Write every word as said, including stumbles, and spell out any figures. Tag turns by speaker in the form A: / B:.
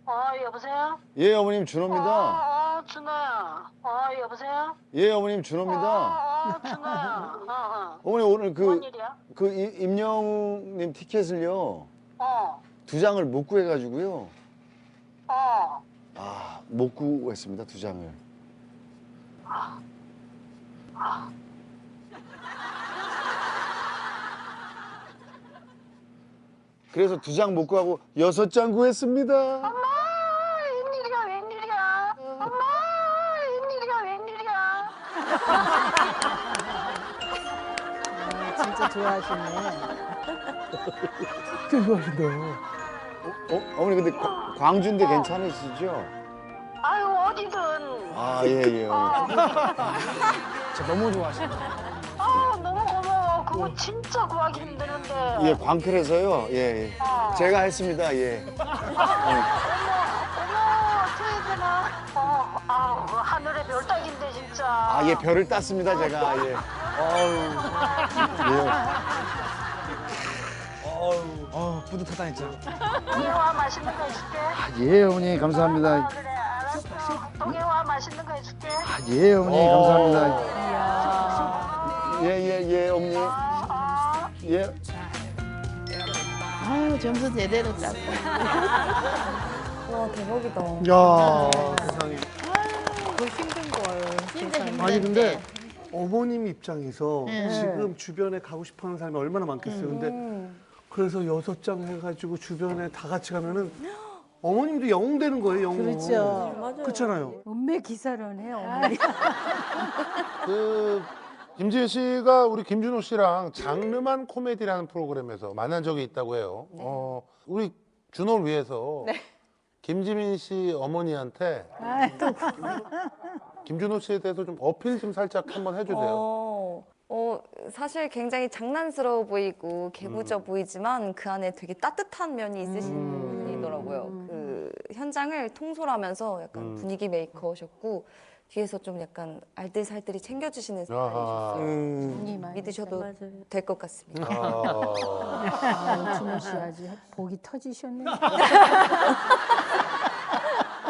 A: 어, 여보세요?
B: 예, 어머님 준호입니다.
A: 어, 어, 준호야. 어, 여보세요?
B: 예, 어머님 준호입니다.
A: 어, 어, 준호야. 어, 어.
B: 어머니 오늘 그
A: 뭔 일이야?
B: 그 이- 임영웅님 티켓을요
A: 어,
B: 두 장을 못 구해가지고요.
A: 어.
B: 아, 못 구했습니다 두 장을. 그래서 두 장 못 구하고 여섯 장 구했습니다.
A: 엄마, 웬일이야, 웬일이야. 엄마, 웬일이야, 웬일이야.
C: 아, 진짜 좋아하시네.
B: 대박이다. 어, 어, 어머니 근데 과- 광주인데 괜찮으시죠?
A: 아유, 어디든.
B: 아, 예, 예. 어머니.
D: 진짜 너무 좋아하시네.
A: 아, 너무 고마워. 그거 진짜 구하기 힘드는데.
B: 예, 광클에서요. 예, 예.
A: 어.
B: 제가 했습니다. 예.
A: 어머, 어머, 어떻게 되나? 어, 아, 하늘의 별 따기인데 진짜.
B: 아, 예, 별을 땄습니다, 제가. 예. 어우.
D: 어 뿌듯하다 진짜.
A: 동해와 맛있는 거 해줄게.
B: 예. 예, 어머니,
A: 아,
B: 감사합니다.
A: 그래, 알았어. 동해와 맛있는 거 해줄게.
B: 예, 어머니, 감사합니다.
C: 이야.
B: 예, 예, 예, 어머니.
A: 아, 아.
B: 예.
E: 아유 점수 제대로 땄어.
F: 와 대박이다.
G: 야 세상에.
C: 더 힘든 걸.
E: 진짜 힘든데.
G: 아니 근데 어머님 입장에서
E: 네.
G: 지금 주변에 가고 싶어하는 사람이 얼마나 많겠어요. 근데 그래서 여섯 장 해가지고 주변에 다 같이 가면은 어머님도 영웅 되는 거예요. 영웅.
C: 그렇죠.
F: 맞아요.
G: 그렇잖아요.
C: 운매 기사로네, 어머니.
H: 그 김지은 씨가 우리 김준호 씨랑 장르만 코미디라는 프로그램에서 만난 적이 있다고 해요. 어, 우리 준호를 위해서 김지민 씨 어머니한테 김준호 씨에 대해서 좀 어필 좀 살짝 한번 해주세요.
F: 어, 어, 사실 굉장히 장난스러워 보이고 개구져 보이지만 그 안에 되게 따뜻한 면이 있으신 분이더라고요. 그 현장을 통솔하면서 약간
H: 음.
F: 분위기 메이커셨고 뒤에서 좀 약간 알뜰살뜰히 챙겨주시는
H: 아하.
F: 스타일이셨어요.
G: 음.
F: 믿으셔도
C: 맞아요.
F: 될 것 같습니다.
H: 아.
C: 아, 준호 씨 아주 복이 터지셨네.